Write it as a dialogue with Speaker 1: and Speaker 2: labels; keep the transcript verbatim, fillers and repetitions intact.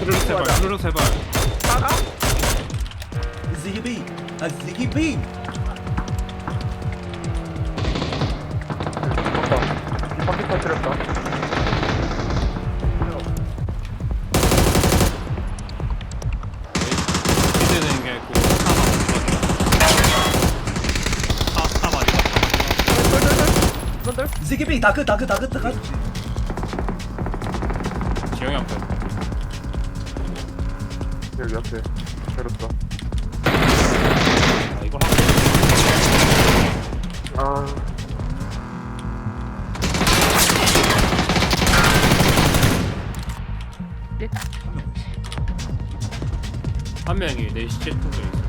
Speaker 1: 후루룩 세발 후루룩 세발.
Speaker 2: 나가?
Speaker 3: 지기비 아 지기비
Speaker 2: 이 바퀴 터뜨렸다.
Speaker 1: 기대되는 게 있고 사사 마리.
Speaker 2: 널널널.
Speaker 3: 지기비 다크 다크 다크 다크
Speaker 1: 지영이 앞에.
Speaker 2: 여기 앞에. 때렸다.
Speaker 1: 아 이걸 한.
Speaker 2: 아.
Speaker 1: 한 명이 내 시체 쪽에 있어.